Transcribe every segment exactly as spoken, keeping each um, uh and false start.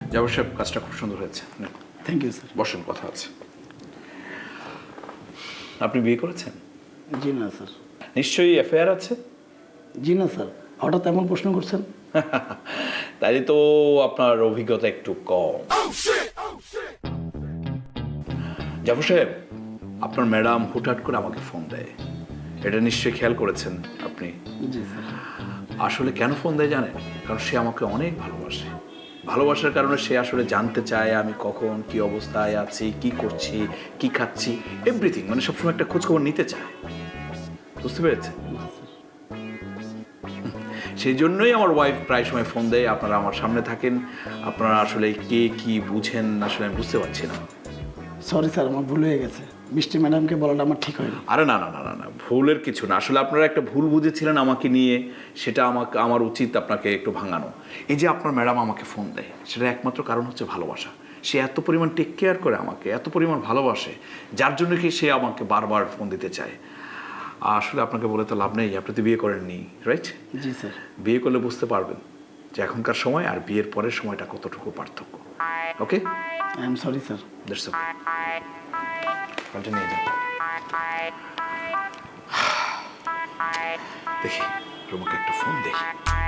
জাফর সাহেব, কাজটা খুব সুন্দর হয়েছে। Thank you sir. বসেন, কথা আছে। আপনি বিয়ে করেছেন? জি না স্যার। নিশ্চয়ই অ্যাফেয়ার আছে? জি না স্যার। হঠাৎ এমন প্রশ্ন করছেন? তাই তো আপনার অভিজ্ঞতা একটু কম। জাফর সাহেব, আপনার ম্যাডাম হুটহাট করে আমাকে ফোন দেয়, এটা নিশ্চয়ই খেয়াল করেছেন আপনি। জি স্যার। আসলে কেন ফোন দেয় জানেন? কারণ সে আমাকে অনেক ভালোবাসে। ভালোবাসার কারণে সে আসলে জানতে চায় আমি কখন কি অবস্থায় আছি, কি করছি, কি খাচ্ছি, এভরিথিং, মানে সবসময় একটা খোঁজখবর নিতে চায়। বুঝতে পেরেছে? সেই জন্যই আমার ওয়াইফ প্রায় সময় ফোন দেয়। আপনারা আমার সামনে থাকেন, আপনারা আসলে কে কি বুঝেন আসলে আমি বুঝতে পারছি না। সরি স্যার, আমার ভুল হয়ে গেছে। মিষ্টি ম্যাডামকে বলাটা আমার ঠিক হয়নি। আরে না না না না না ভুলের কিছু না। আসলে আপনারা একটা ভুল বুঝেছিলেন আমাকে নিয়ে, সেটা আমাকে আমার উচিত আপনাকে একটু ভাঙানো। এই যে আপনার ম্যাডাম আমাকে ফোন দেয়, সেটা একমাত্র কারণ হচ্ছে ভালোবাসা। সে এত পরিমাণ টেক কেয়ার করে আমাকে, এত পরিমাণ ভালোবাসে, যার জন্য কি সে আমাকে বারবার ফোন দিতে চায়। আসলে আপনাকে বলে তো লাভ নেই, আপনি তো বিয়ে করেননি, রাইট? জি স্যার। বিয়ে করলে বুঝতে পারবেন যে এখনকার সময় আর বিয়ের পরের সময়টা কতটুকু পার্থক্য। Okay, I am sorry sir. That's okay, continue যান। দেখি রুমাকে একটা ফোন দেখি।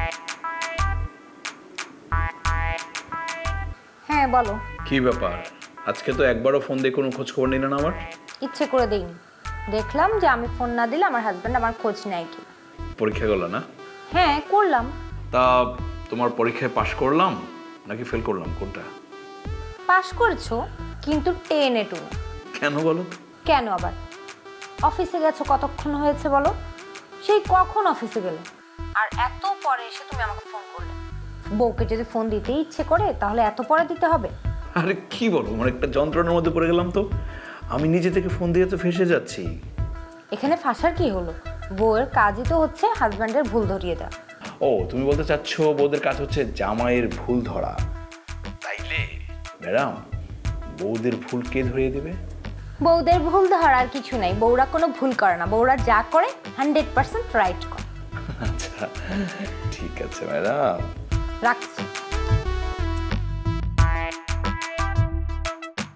হ্যাঁ বলো। কি ব্যাপার, আজকে তো একবারও ফোন দিয়ে কোনো খোঁজ খবর নিলেন আমার? ইচ্ছে করে দেইনি, দেখলাম যে আমি ফোন না দিলে আমার হাজব্যান্ড আমার খোঁজ নেয় কি। পরীক্ষা গেল না? হ্যাঁ করলাম। তা তোমার পরীক্ষায় পাশ করলাম নাকি ফেল করলাম, কোনটা? পাশ করেছো কিন্তু টেনে টু। কেন বলো? কেন আবার? অফিসে গেছো কতক্ষণ হয়েছে বলো? সেই কখন অফিসে গেলে, আর এত পরে এসে তুমি আমাকে ফোন করলে। বউকে যদি ফোন দিতে ইচ্ছে করে তাহলে এত পরে দিতে হবে? আরে কি বলো, মানে একটা যন্ত্রণার মধ্যে পড়ে গেলাম তো। আমি নিজে থেকে ফোন দিয়ে তো ফেসে যাচ্ছি। এখানে ফাঁসার কি হলো? বউয়ের কাজই তো হচ্ছে হাজব্যান্ডের ভুল ধরিয়ে দেওয়া। ও, তুমি বলতে চাচ্ছ বউদের কাজ হচ্ছে জামাইয়ের ভুল ধরা, তাইলে ম্যাডাম বউদের ভুল কে ধরিয়ে দেবে? বউদের ভুল ধরার কিছু নাই, বউরা কোনো ভুল করে না, বউরা যা করে হান্ড্রেড পার্সেন্ট রাইট করে। আচ্ছা ঠিক আছে ম্যাডাম, রাখছি।